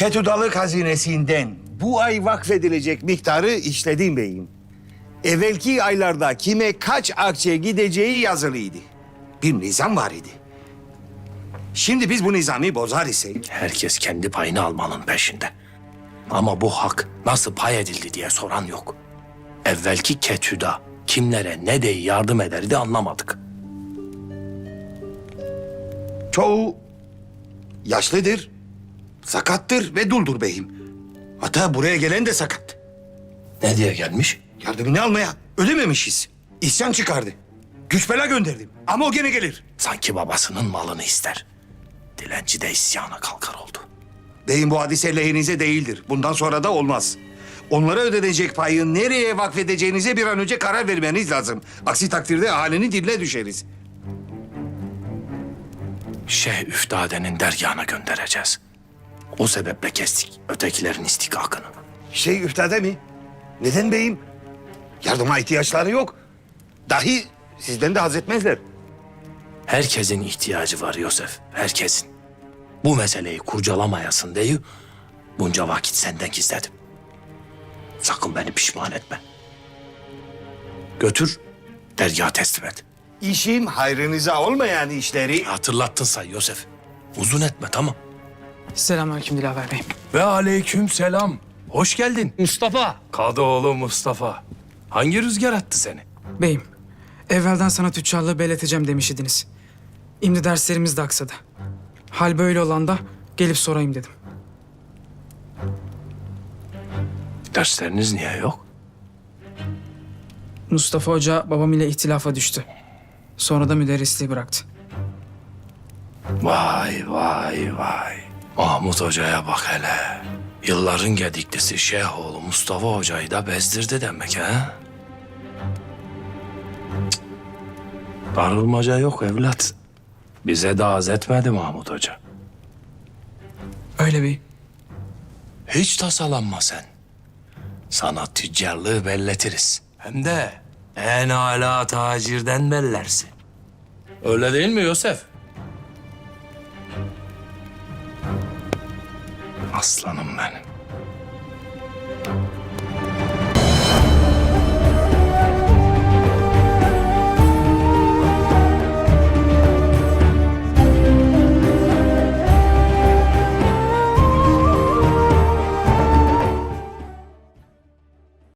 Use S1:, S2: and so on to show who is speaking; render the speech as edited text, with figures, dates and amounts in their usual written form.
S1: Ketudalık hazinesinden bu ay vakfedilecek miktarı işledim beyim. Evvelki aylarda kime kaç akçe gideceği yazılıydı. Bir nizam var idi. Şimdi biz bu nizamı bozar isek...
S2: Herkes kendi payını almanın peşinde. Ama bu hak nasıl pay edildi diye soran yok. Evvelki Ketüda kimlere ne diye yardım ederdi anlamadık.
S1: Çoğu yaşlıdır, sakattır ve duldur beyim. Hatta buraya gelen de sakat.
S2: Ne diye gelmiş?
S1: Yardımını almaya ödememişiz. İsyan çıkardı. Güç bela gönderdim ama o gene gelir.
S2: Sanki babasının malını ister. Dilenci de isyana kalkar oldu.
S1: Beyim bu hadise lehinize değildir. Bundan sonra da olmaz. Onlara ödenecek payı nereye vakfedeceğinize bir an önce karar vermeniz lazım. Aksi takdirde ahalinin diline düşeriz.
S2: Şeyh Üftade'nin dergahına göndereceğiz. O sebeple kestik ötekilerin istikakını.
S1: Üftade mi? Neden beyim? Yardıma ihtiyaçları yok. Dahi sizden de haz etmezler.
S2: Herkesin ihtiyacı var Yosef, herkesin. Bu meseleyi kurcalamayasın diye bunca vakit senden gizledim. Sakın beni pişman etme. Götür, dergaha teslim et.
S1: İşim hayrınıza olmayan işleri...
S2: Hatırlattın say Yosef. Uzun etme, tamam.
S3: Selamünaleyküm Dilaver Bey.
S2: Ve aleyküm selam. Hoş geldin.
S3: Mustafa.
S2: Kadıoğlu Mustafa. Hangi rüzgar attı seni?
S3: Beyim, evvelden sana tüccarlığı belleteceğim demiş idiniz. Şimdi derslerimiz de aksadı. Hal böyle olan da gelip sorayım dedim.
S2: Dersleriniz niye yok?
S3: Mustafa Hoca babam ile ihtilafa düştü. Sonra da müderrisliği bıraktı.
S2: Vay vay vay. Mahmut Hoca'ya bak hele. Yılların gediklisi Şeyhoğlu Mustafa Hoca'yı da bezdirdi demek ha? Cık. Darılmaca yok evlat. Bize de az etmedi Mahmut Hoca.
S3: Öyle beyim.
S2: Hiç tasalanma sen. Sana tüccarlığı belletiriz. Hem de en âlâ tacirden bellersin. Öyle değil mi Yosef? Aslanım benim.